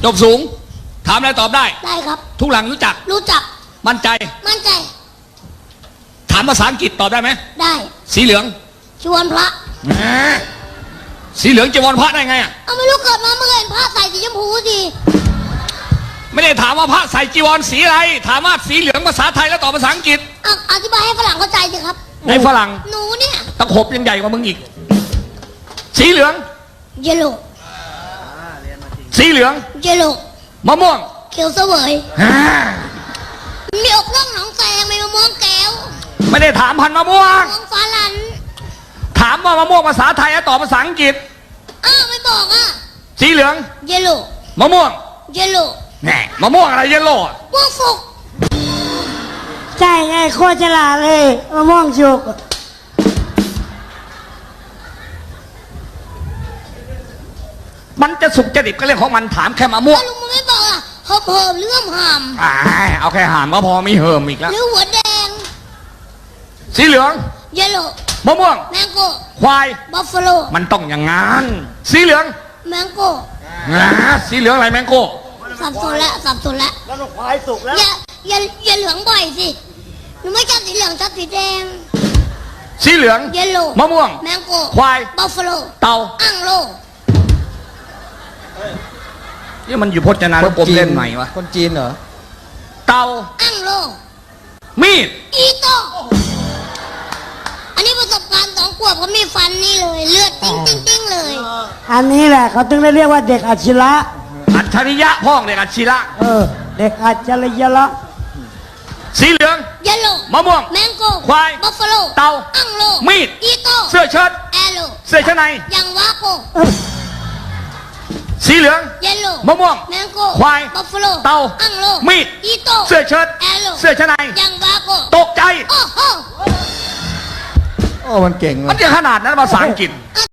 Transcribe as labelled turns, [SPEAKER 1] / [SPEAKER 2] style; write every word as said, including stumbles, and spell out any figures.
[SPEAKER 1] บสูงถามอะไรตอบได้
[SPEAKER 2] ได้ครับ
[SPEAKER 1] ทุกหลังรู้จัก
[SPEAKER 2] รู้จัก
[SPEAKER 1] มั่นใจ
[SPEAKER 2] มั่นใจ
[SPEAKER 1] ถามภาษาอังกฤษตอบได้ไหม
[SPEAKER 2] ได้
[SPEAKER 1] สีเหลือง
[SPEAKER 2] จีวรพระ
[SPEAKER 1] สีเหลืองจีวรพระได้ไงอ่ะ
[SPEAKER 2] เอาไม่รู้เกิดมาเมื่อเห็นพระใส่สีชมพูสิ
[SPEAKER 1] ไม่ได้ถามว่าพระใส่จีวรสีอะไรถามว่าสีเหลืองภาษาไทยแล้วตอบภาษาอังกฤษ
[SPEAKER 2] อธิบายให้ฝรั่งเข้าใจสิครับ
[SPEAKER 1] ในฝรั่ง
[SPEAKER 2] หนูเนี่ย
[SPEAKER 1] ตะขบยังใหญ่กว่ามึงอีกสีเหลือง
[SPEAKER 2] เยลโล่
[SPEAKER 1] สีเหลือง
[SPEAKER 2] เยลโล่
[SPEAKER 1] มะม่วง
[SPEAKER 2] เขียวเสวยมีอกร่องหนองแสงมีมะม่วงแก้ว
[SPEAKER 1] ไม่ได้ถามพันมะม่วง
[SPEAKER 2] มะม่วงฟ้าลัน
[SPEAKER 1] ถามว่ามะม่วงภาษาไทยแล้วตอบภาษาอังกฤษ
[SPEAKER 2] อ้าวไม่บอกอ่ะ
[SPEAKER 1] สีเหลือง
[SPEAKER 2] เยลโล่
[SPEAKER 1] มะม่วง
[SPEAKER 2] เยลโล่
[SPEAKER 1] แหน่มะม่วงอะไรเยลโล่
[SPEAKER 2] มะม่วงสุก
[SPEAKER 3] ใช่ไงโคตรฉลาดเลยมะม่วงสุก
[SPEAKER 1] มันจะสุกจะดิบก็เรื่องของมันถามแค่มะม่วง
[SPEAKER 2] ลุงมันไม่บอกอ่ะเพิ่มเพิ่มเรื่องหาม
[SPEAKER 1] อ่าเอาแค่หามก็พอมีเหิมอีกแล้ว
[SPEAKER 2] หรือหัวแดง
[SPEAKER 1] สีเหลือง
[SPEAKER 2] เยลโล่
[SPEAKER 1] มะม่วง
[SPEAKER 2] แมงโก้
[SPEAKER 1] ควาย
[SPEAKER 2] บัฟฟาโล
[SPEAKER 1] มันต้องอย่างงั้นสีเหลือง
[SPEAKER 2] แมงโก้
[SPEAKER 1] สีเหลืองอะไรแมงโก้
[SPEAKER 2] สับสนแล้วสับสนแล้ว
[SPEAKER 3] แล้วควายสุกแล้ว
[SPEAKER 2] อย่าอย่าอย่าเหลืองบ่อยสิหนูไม่ชอบสีเหลืองชอบสีแดง
[SPEAKER 1] สีเหลือง
[SPEAKER 2] เยลโล่
[SPEAKER 1] มะม่วง
[SPEAKER 2] แมงโก้
[SPEAKER 1] ควาย
[SPEAKER 2] บัฟฟาโล
[SPEAKER 1] เต่า
[SPEAKER 2] อังโล
[SPEAKER 1] นี่มันอยู่พจนานุกรมเล่นใหม่วะ
[SPEAKER 4] คนจีนเหรอ
[SPEAKER 1] เต่า
[SPEAKER 2] อังโล
[SPEAKER 1] มีด
[SPEAKER 2] อีโต้อันนี้ประสบการณ์สองขวบเขามีฟันนี่เลยเลือดติ้งติ้งติ้งเลย
[SPEAKER 3] อันนี้แหละเขาถึงได้เรียกว่าเด็กอัจฉริยะ
[SPEAKER 1] อัจฉริยะพ่องเด็กอัจฉริยะ
[SPEAKER 3] เออเด็กอัจฉริยะ
[SPEAKER 1] สีเหลือง
[SPEAKER 2] เยลโล่
[SPEAKER 1] มะม่วง
[SPEAKER 2] แมงโก้
[SPEAKER 1] ควาย
[SPEAKER 2] บัฟฟาโล
[SPEAKER 1] เต่า
[SPEAKER 2] อังโล
[SPEAKER 1] มีด
[SPEAKER 2] อีโต้
[SPEAKER 1] เสื้อเชิ้ต
[SPEAKER 2] แอโล
[SPEAKER 1] เสื้อชั้นใน
[SPEAKER 2] ยังวาโก
[SPEAKER 1] สีเหลือง
[SPEAKER 2] เยลโล่
[SPEAKER 1] มะม่วง
[SPEAKER 2] แมงโก้
[SPEAKER 1] ควาย
[SPEAKER 2] บัฟฟาโล
[SPEAKER 1] เต่า
[SPEAKER 2] อังโล
[SPEAKER 1] มีด
[SPEAKER 2] อีโต้
[SPEAKER 1] เสื้อเชิ้ต
[SPEAKER 2] แอโล
[SPEAKER 1] เสื้อชั้นใน
[SPEAKER 2] ยังวาโก
[SPEAKER 1] ตกใจ
[SPEAKER 2] โอ้โห
[SPEAKER 4] โอ้มันเก่งเลย
[SPEAKER 1] มันจะขนาดนั้นภาษาอังกฤษ